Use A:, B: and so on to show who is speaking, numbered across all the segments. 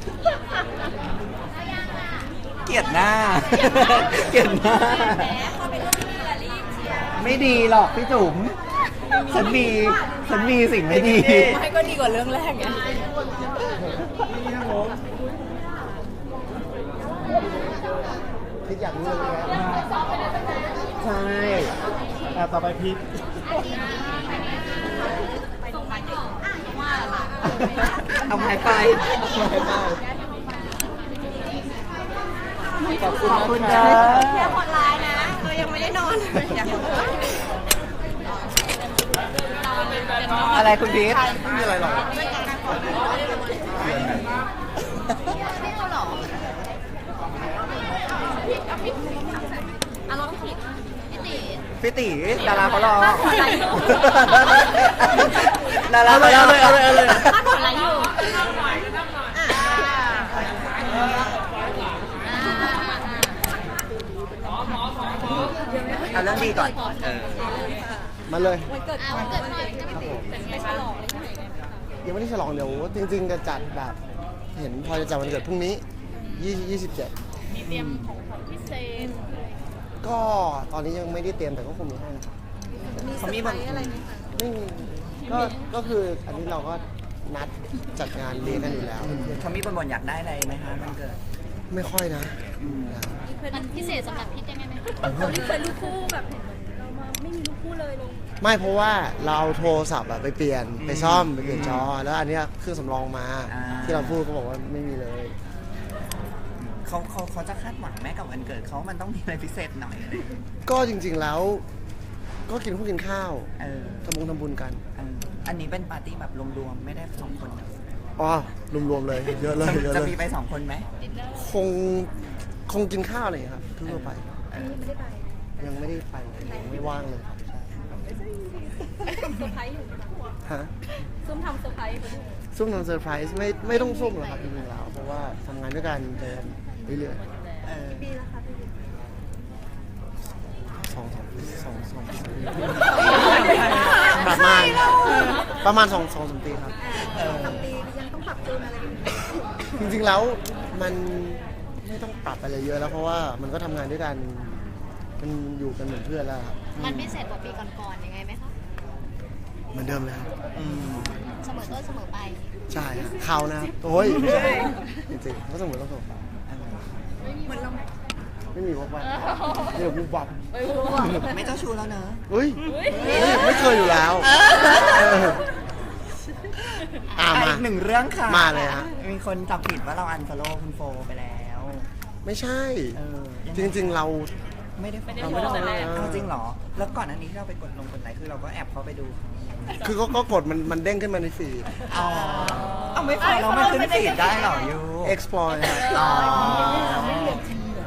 A: เกลียดหน้าเกลียดหน้าไม่ดีหรอกพี่จุ๋มฉันมีสิ่งไม่ดี
B: ไม่ก็ดีกว่าเรื่องแรกไง
C: พิษอยากรู้เลยนะ
A: ใช่
C: ต่อไปพิษ
A: เอาไม้ไปขอบคุณนะ
B: แค่คนร้ายนะยังไม่ได้นอน
A: อะไรคุณพีท
C: ไม่มีอะไรหรอก
A: พี่ตีดาราเขารอดารา
C: เอาเลย
B: ถ้าผลอะไรอยู่
A: เอาเรื่องดีก่อน
C: มาเลย
B: วันเกิดหน่อยเป็นไงฉลองอะไร
C: ยังไม่ได้ฉลองเดี๋ยวจริงๆจะจัดแบบเห็นพอจะจัดวันเกิดพรุ่งนี้27
B: มีเตรียมของขวัญพิเศษ
C: ก็ตอนนี้ยังไม่ได้เตรียมแต่ก็คงมีให้นะครับ
A: เขามีแบบ
B: อะไรไหมคะ
C: ไม่มีก็คืออันนี้เราก็นัดจัดงานเลี้ยงกันอยู่แล้ว
A: เขามีบ่นอยากได้อะไรไหมคะวันเกิด
C: ไม่ค่อยนะ
B: มันพิเศษสำหรับพิษยังไงไหมเราที่เคยลูกคู่แบบเรามาไม่มีลูกคู่เลยลง
C: ไม่เพราะว่าเราเอาโทรศัพท์ไปเปลี่ยนไปซ่อมไปเปลี่ยนจอแล้วอันนี้เครื่องสำรองมาที่เราพูดเขาบอกว่าไม่มีเลย
A: เขาจะคาดหวังแม่กับวันเกิดเขามันต้องมีอะไรพิเศษหน่อยเลย
C: ก็จริงๆแล้วก็กินข้าวทำบุญกัน
A: อันนี้เป็นปาร์ตี้แบบรวมๆไม่ได้2 คน
C: อ๋อรวมๆเลยเยอะเลย
A: จะมีไป2 คนไหม
C: คงกินข้าวอะไรครับทั่วไปยังไม่ได้ไปยังไม่ว่างเลย
B: เซอร์ไพรส์อยู่
C: ฮะ
B: ซุ่มทำเซอร์ไพรส์
C: ซุ่มทำเซอร์ไพรส์ไม่ต้องซุ่มหรอกครับจริงๆแล้วเพราะว่าทำงานด้วยกันเดินเรื่อย
B: ๆปีแล้วค่ะพี่
C: สองประมาณ2-3 ปีครับ
B: 2-3 ปียังต้องปรับจูนอะไร
C: จริงๆแล้วมันไม่ต้องปรับอะไรเยอะแล้วเพราะว่ามันก็ทำงานด้วยกันมันอยู่กันเหมือนเพื่อนแล้วครับ
B: มันไม่เสร็จกว่าปีก่อนๆยังไงไหมคะ
C: เหมือนเดิมเลยครับ
B: เสมอต้นเสมอไป
C: ใช่ครับเขานะโอ้ยจริงๆก็เสมอต้นเสมอไป
B: เหมือนเรา
C: ไม่มีวับเดี๋ยววับ
A: ไม่เจ้าชู้แล้วเนอะ
C: เฮ้ยไม่เคยอยู่แล้ว
A: มาอีก1 เรื่องค่ะ
C: มาเลยฮะ
A: มีคนจับผิดว่าเราอันฟอลโล่คุณโฟไปแล้ว
C: ไม่ใช่จริงๆเรา
A: ไม่ได้จริงเหรอแล้วก่อนอันนี้ที่เราไปกดไลค์คือเราก็แอบเข้าไปดู
C: คือก็กดมันเด้งขึ้นมาในฟีด
A: เอาไม่พอเราไม่ขึ้นฟีดได้หรอยู
C: explore ครับ
B: ไม่ได้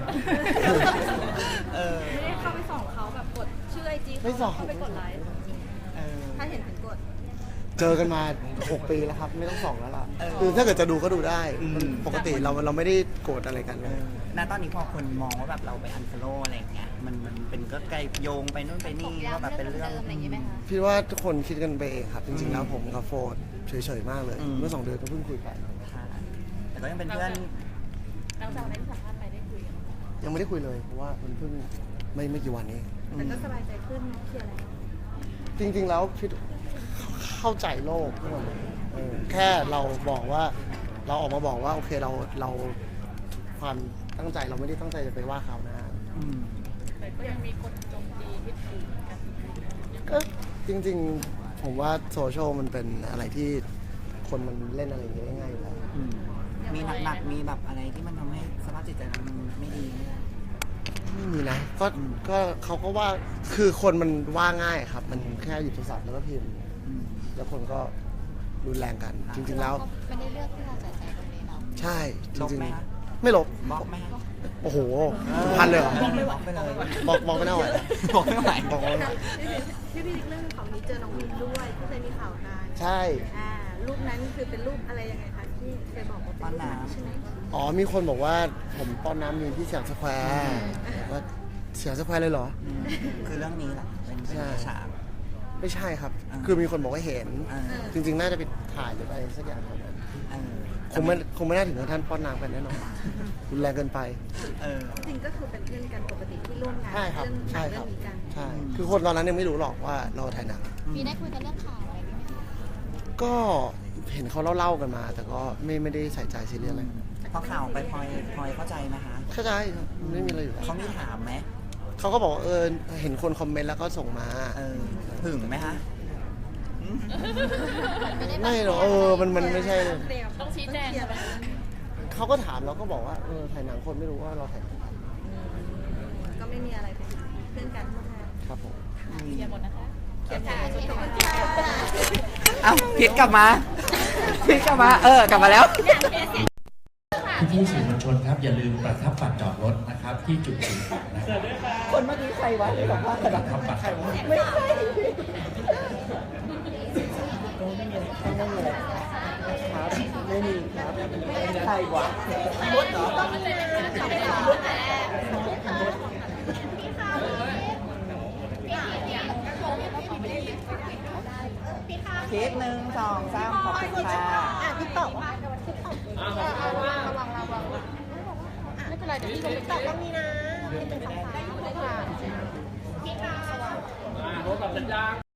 B: เข้าไปส่องเขาแบบกดชื่อไอจีเขาเข้าไปกดไลค์ถ้าเห็นถึงกด
C: เจอกันมา6 ปีแล้วครับไม่ต้องส่องแล้วล่ะคือถ้าเกิดจะดูก็ดูได้ปกติเราไม่ได้โกรธอะไรกันเลย
A: ณตอนนี้พอคนมองว่าแบบเราไปอันฟอลโล่อะไรอย่างเงี้ยมันเป็นก็ไกลโยงไปนู่นไปนี่ว่าแบบเป็นเรื่อง
C: พี่ว่าทุกคนคิดกันไปเองครับจริงๆแล้วผมกับโฟร์เฉยๆมากเลยเมื่อ2 เดือนก็เพิ่งคุยกัน
A: แต่ก็ยังเป็นเพื่อน
B: เราจากนั้นสัมภาษณ์ไปได้คุย
C: ยังไม่ได้คุยเลยเพราะว่ามันเพิ่งไม่กี่วันนี้
B: แต่ก็สบายใจขึ้นเคลียร์แล้ว
C: จริงๆแล้วพี่เข้าใจโลกทั้งหมดแค่เราบอกว่าเราออกมาบอกว่าโอเคเราความตั้งใจเราไม่ได้ตั้งใจจะไปว่าเขานะ
B: แต่ก็ยังมีคนโจมตีที่ถูกกัน
C: ก็จริงๆผมว่าโซเชียลมันเป็นอะไรที่คนมันเล่นอะไรอย่างเงี้ยง่ายๆอยู่แล้ว
A: มีหนักมีแบบอะไรที่มันทำให้สภาพจิตใจมันไม่ดี
C: ไม่มีนะก็เขาก็ว่าคือคนมันว่าง่ายครับมันแค่หยิบโทรศัพท์แล้วก็พิมพ์แล้วคนก็รุนแรงกันจริงๆแล้ว
B: ไม่ได้เลือกที่เราใส่ใจตรงนี้เนาะ
C: ใช่จริงๆไม่ลบบ
A: ล็อกไหม
C: โอ้โหพันเลยเหรอบ
A: ล็อกไปเลย
C: บอกไม่ได้ไหว
A: บอกไม่ไหว
B: บอกไม่ไหวที่พี่เรื่องของนี้เจอน้องมินด้วยที่เคยมีข่าวกัน
C: ใช่
B: รูปนั้นคือเป็นรูปอะไรยังไงคะที่เคยบอกว่าเป็นรูปใช่ไหม
C: มีคนบอกว่าผมป้อนน้ำมีที่เสียงสแควร์ว่าเสียงสแควร์เลยเหรอ
A: คือเรื่องนี้แหละเป็นฉาก
C: ไม่ใช่ครับ
A: อ่า
C: คือมีคนบอกว่าเห็น
A: เออ
C: จริงๆ น่าจะไปถ่ายหรืออะไรสักอย่างครับ
A: เออ
C: คงไม่น่าถึงกับท่านป้อนน้ำกันแน่นอนรุนแรงเกินไป
A: เออ
D: จริงก็คือเป็นเพื่อนกันปกติที่ร่วมงาน
C: ใช่ครับ
D: เรื่อง
C: ใช่ครับ
D: เรื่องนี้กัน
C: ใช่ คือคนตอนนั้นยังไม่รู้หรอกว่าเราถ่ายหนัง
B: มีได้คุยกันเรื่องข่าวอะไรไหมคะ
C: ก็เห็นเขาเล่าๆกันมา แต่ก็ไม่ได้ใส่ใจซีเรียสอะไร
A: พอข่าวไปพลอยเข้าใจไหมคะ
C: เข้าใจครับไม่มีอะไรอยู่แล้ว
A: เขามีถามไหม
C: เขาก็บอกว่าเห็นคนคอมเมนต์แล้วก็ส่งมา
A: เออถึงไหมคะอืม
C: ไม่หรอกมันไม่ใช่เลย
B: ต้องชี้แจง
D: เคลียร์
B: ใช่ไหม
D: แล้ว
C: เขาก็ถามเราก็บอกว่าถ่ายหนังคนไม่รู้ว่าเราถ่ายหนัง
D: ก็ไม่มีอะไรเป็นเพื่อนกันร่วมงาน
C: ครับผม
B: เคลียร์หมดนะคะเคลียร์ค่ะ
A: เอ้าพิษกลับมาพิษกลับมา กลับมาแล้ว
E: พี่ๆสื่อมวลชนครับ อย่าลืมประทับบัตรจอดรถนะครับ ที่จุดสีนะครับ
A: คนเมื่อกี้ใครวะที่สัมภาษณ์กัน
E: ประทับบัตร
A: ไม่ใช่ไม่มีครับใครวะมดเหรอเค้ก1 2 3ขอบคุณค่ะ
D: พี่ตอบว่า
B: ไม่เป็นไรเดี๋ยวพี่ลงไปตอบ
D: ต้องมีนะเป็นสองสาม